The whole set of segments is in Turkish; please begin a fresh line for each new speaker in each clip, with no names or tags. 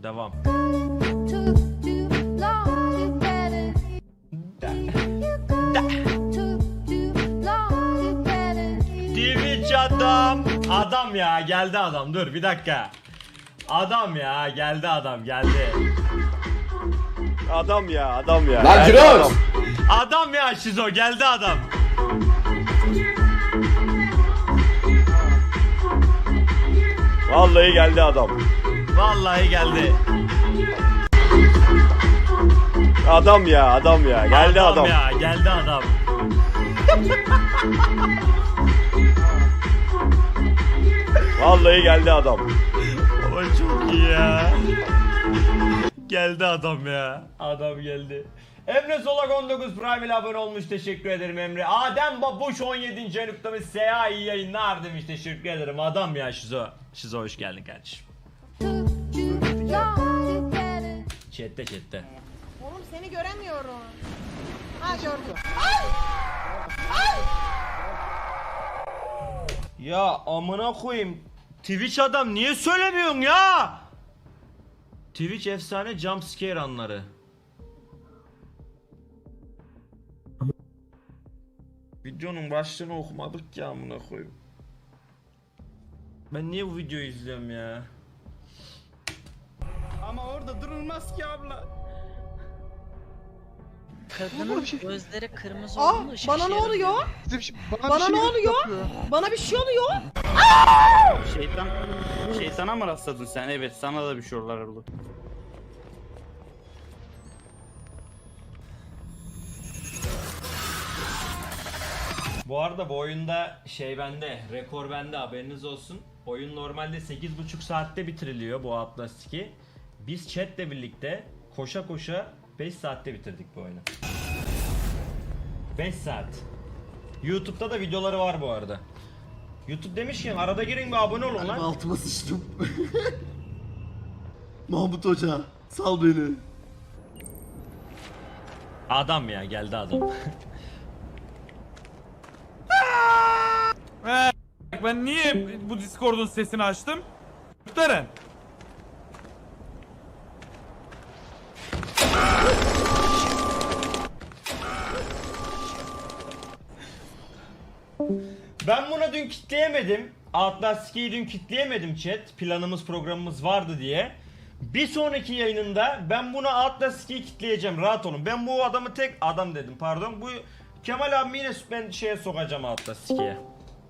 Devam. Twitch adam. Adam ya geldi adam. Dur bir dakika. Adam ya geldi adam geldi.
Adam ya, adam ya.
Lan Jirox!
Adam ya Şizo geldi adam.
Vallahi geldi adam.
Vallahi geldi.
Adam ya, adam ya. Geldi adam.
Ya geldi adam.
Vallahi geldi adam.
O çok iyi ya. Geldi adam ya. Adam geldi. Emre Solak 19 Prime ile abone olmuş. Teşekkür ederim Emre. Adem Babuş 17. aylıktamış. Seha iyi yayınlar demiş. Teşekkür ederim. Adam ya Şizo. Şizo hoş geldin kardeşim. Chat'te.
Oğlum seni göremiyorum. Ha gördüm.
Ya amına koyayım. Twitch adam niye söylemiyorsun ya? Twitch efsane jumpscare anları. Videonun başlığını okumadık ya amına koyayım. Ben niye bu videoyu izliyorum ya?
Ama orada durulmaz ki abla.
Kadının gözleri kırmızı
Aa,
olduğunda ışık
bana ne oluyor? Bana ne oluyor? Bana bir şey oluyor.
Şeytana mı rastladın sen? Evet, sana da bir şey oldu.
Bu arada bu oyunda şey bende, rekor bende haberiniz olsun. Oyun normalde 8,5 saatte bitiriliyor bu Atlas 2. Biz chatle birlikte koşa koşa 5 saatte bitirdik bu oyunu. 5 saat. YouTube'da da videoları var bu arada. YouTube demişken arada girin bir abone olun lan.
Altıma sıçtım. Mahmut Hoca sal beni.
Adam ya geldi adam.
Ben niye bu Discord'un sesini açtım? Muhterem.
Ben bunu dün kitleyemedim. Atlas 2'yi dün kitleyemedim chat. Planımız programımız vardı diye. Bir sonraki yayınında ben bunu Atlas 2'yi kitleyeceğim, rahat olun. Ben bu adamı tek adam dedim pardon. Bu Kemal abi yine ben şeye sokacağım Atlas 2'ye.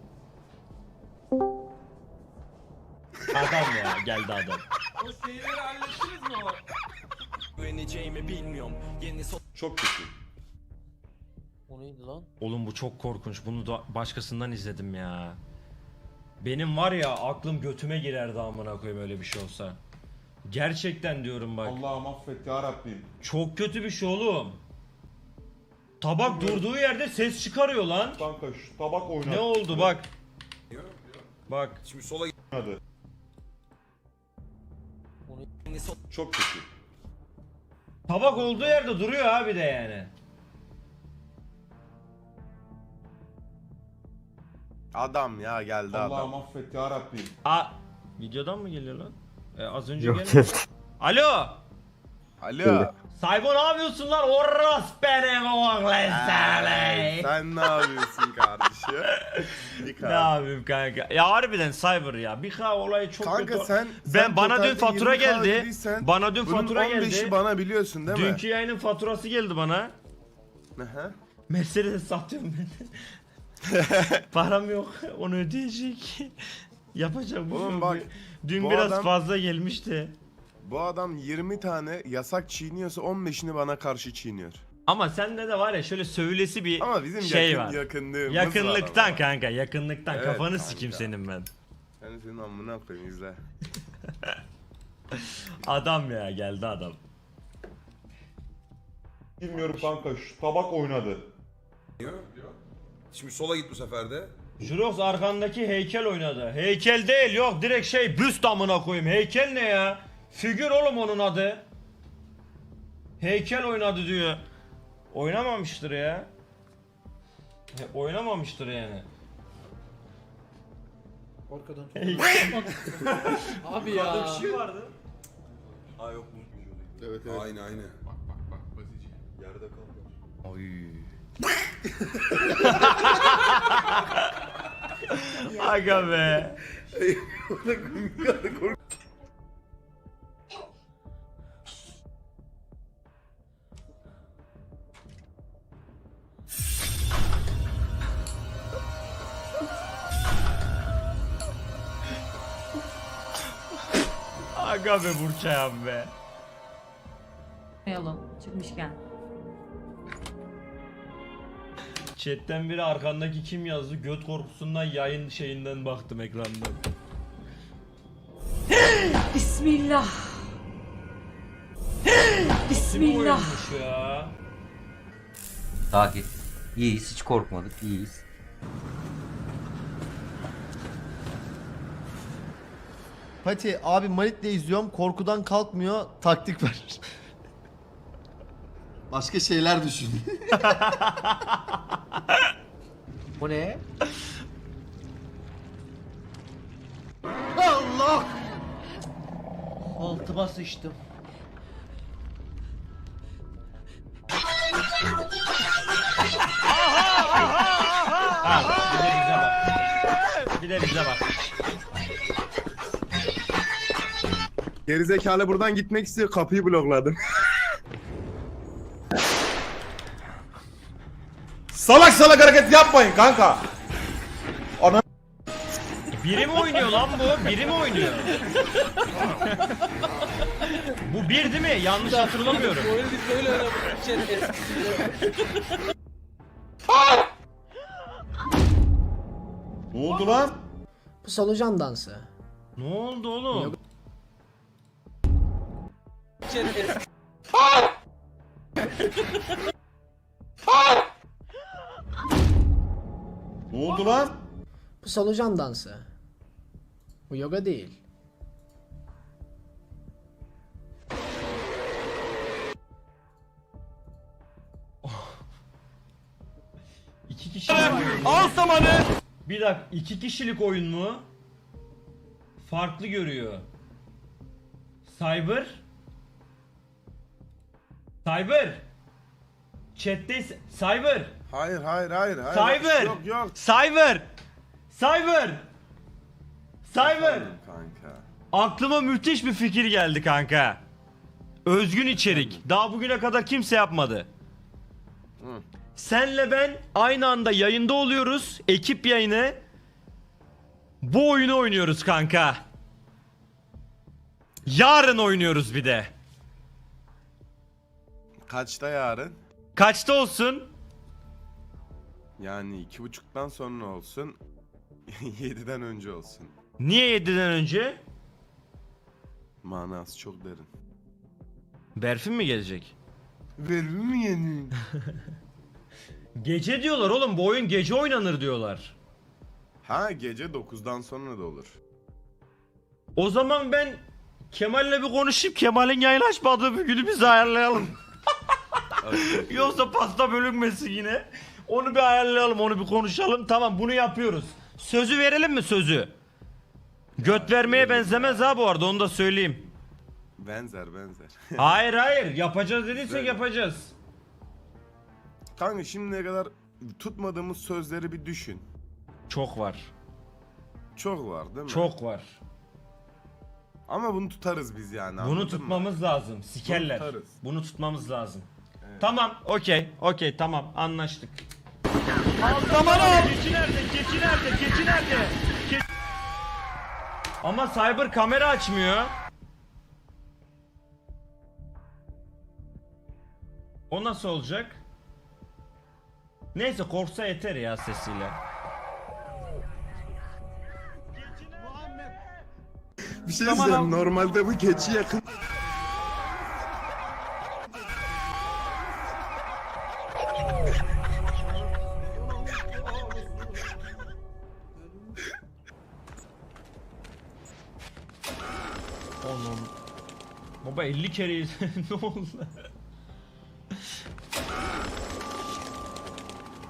Adam ya geldi adam.
O şeyleri hallettiniz mi o?
Çok kötü.
O neydi lan?
Oğlum bu çok korkunç. Bunu da başkasından izledim ya. Benim var ya aklım götüme girerdi amına koyayım öyle bir şey olsa. Gerçekten diyorum bak.
Allah'ım affet ya Rabbim.
Çok kötü bir şey oğlum. Tabak durduğu yerde ses çıkarıyor lan.
Kanka şu tabak oynadı.
Ne oldu bak. Bak.
Şimdi sola oynadı.
Çok kötü.
Tabak olduğu yerde duruyor abi de yani.
Adam ya geldi adam.
Allah'ım affet ya Rabbim.
Videodan mı geliyor lan? Az önce geldi. Alo.
Alo.
Saybo ne yapıyorsun lan? Orros benim oğlan seni.
Sen ne yapıyorsun kardeşim?
Ne yapayım kanka? Ya harbiden Cyber ya. Bir olayı çok
Kanka
kötü.
sen
Bana dün
totalde
fatura
20K
geldi.
ödediysen,
Bana dün
bunun
fatura
15'i
geldi.
bana biliyorsun değil mi?
Dünkü yayının faturası geldi bana.
Aha.
Mercedes satıyorum ben. Param yok. Onu ödeyecek. Yapacağım.
Oğlum bak,
Dün
bu
biraz
adam-
fazla gelmişti.
Bu adam 20 tane yasak çiğniyorsa 15'ini bana karşı çiğniyor.
Ama sende de var ya şöyle söylesi bir
Ama bizim
şey var.
yakınlığımız
Yakınlıktan
var ama.
kanka, yakınlıktan.
Evet,
Kafanı
kanka.
sikeyim senin ben.
Ben senin amına koyayım izle.
Adam ya geldi adam.
Bilmiyorum kanka şu tabak oynadı.
Şimdi sola git bu sefer de.
Jurox arkandaki heykel oynadı. Heykel değil yok direkt şey büst amına koyayım. Heykel ne ya? Figür oğlum onun adı. Heykel oynadı diyor. Oynamamıştır ya. Oynamamıştır yani.
Arkadan
Heykel.
Abi ya.
Bir şey vardı.
Aa yok bu.
Evet evet.
Aynı aynı.
Yerde kaldı.
Aga be. Aga be Burçayan be.
Yolun çıkmışken.
Chat'ten biri arkandaki kim yazdı? Göt korkusundan yayın şeyinden baktım ekrandan.
Bismillah.
Kim
Bismillah.
oyunmuş ya?
Sakin. İyiyiz, hiç korkmadık, iyiyiz.
Pati abi Malit'le izliyorum korkudan kalkmıyor taktik ver. Başka şeyler düşün.
Bu ne?
Allah!
Altıma sıçtım.
Bir de bize bak.
Gerizekalı buradan gitmek istiyor, kapıyı blokladım.
Salak salak hareket yapmayın kanka.
Biri mi oynuyor lan bu? Biri mi oynuyor? Bu bir değil mi? Yanlış hatırlamıyorum.
Ne oldu lan?
Bu solucan dansı.
Ne oldu oğlum?
Ne oldu lan?
Bu solucan dansı. Bu yoga değil.
İki kişilik oyun mu?
Al samanı.
Bir dakika, iki kişilik oyun mu? Farklı görüyor. Cyber? Cyber? Chat'te Cyber?
Hayır hayır hayır. hayır.
Cyber!
Yok yok.
Cyber! Cyber! Cyber!
Kanka.
Aklıma müthiş bir fikir geldi kanka. Özgün içerik. Daha bugüne kadar kimse yapmadı.
Hı.
Senle ben aynı anda yayında oluyoruz. Ekip yayını. Bu oyunu oynuyoruz kanka. Yarın oynuyoruz bir de.
Kaçta yarın?
Kaçta olsun?
Yani 2:30'dan sonra olsun. 7'den önce olsun.
Niye 7'den önce?
Manası çok derin.
Berfin mi gelecek?
Verir mi yeni?
Gece diyorlar oğlum, bu oyun gece oynanır diyorlar.
Ha gece 9'dan sonra da olur.
O zaman ben Kemal'le bir konuşayım. Kemal'in yayın açmadığı bir günü biz ayarlayalım. Yoksa pasta bölünmesin yine. Onu bir ayarlayalım, onu bir konuşalım. Tamam, bunu yapıyoruz. Sözü verelim mi sözü? Göt vermeye benzemez ha bu arada, onu da söyleyeyim.
Benzer benzer.
Hayır hayır, yapacağız dediysek
Böyle.
yapacağız.
Kanka şimdiye kadar tutmadığımız sözleri bir düşün.
Çok var.
Çok var değil mi?
Çok var.
Ama bunu tutarız biz yani.
Bunu
anladın mı?
tutmamız lazım. Sikerler.
Bunu tutarız.
Bunu tutmamız lazım.
Evet.
Tamam, okey, tamam, anlaştık.
Samanı al.
Keçi nerede? Keçi nerede? Keçi nerede? Ama Cyber kamera açmıyor. O nasıl olacak? Neyse, korksa yeter ya sesiyle.
Bir şey söyleyeyim. Normalde bu keçi yakın.
Oğlum. Baba 50 kere ne oldu?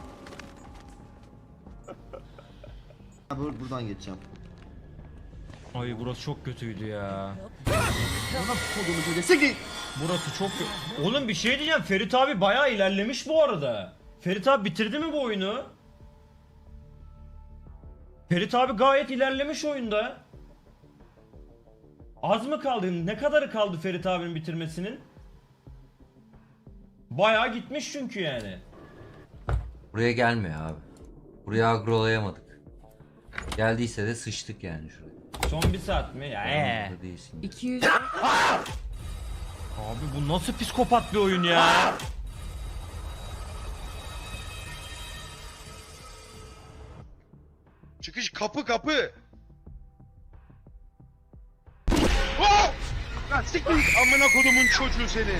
Buradan geçeceğim.
Ay burası çok kötüydü ya.
Kodumu söylese ki.
Burası çok kötü. Oğlum bir şey diyeceğim. Ferit abi bayağı ilerlemiş bu arada. Ferit abi bitirdi mi bu oyunu? Ferit abi gayet ilerlemiş oyunda. Az mı kaldı? Ne kadarı kaldı Ferit abinin bitirmesinin? Bayağı gitmiş çünkü yani.
Buraya gelmiyor abi. Buraya agrolayamadık. Geldiyse de sıçtık yani şuraya.
Son bir saat mi? Ya
Burada değilsin.
200.
Abi bu nasıl psikopat bir oyun ya?
Çıkış kapı. Oh! Lan siktir git amına kodumun çocuğu seni.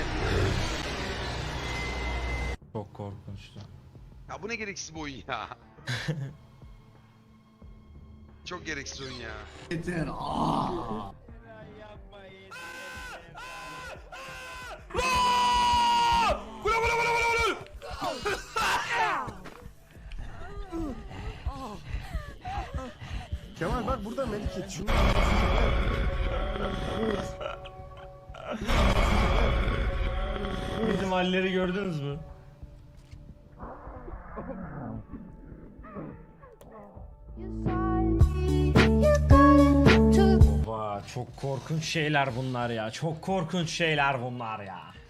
Çok korkunçtu.
Ya bu ne gereksiz bir oyun ya. Çok gereksiz oyun ya.
Kemal bak burada Melike. Şunu
Bizim halleri gördünüz mü? Baba çok korkunç şeyler bunlar ya. Çok korkunç şeyler bunlar ya.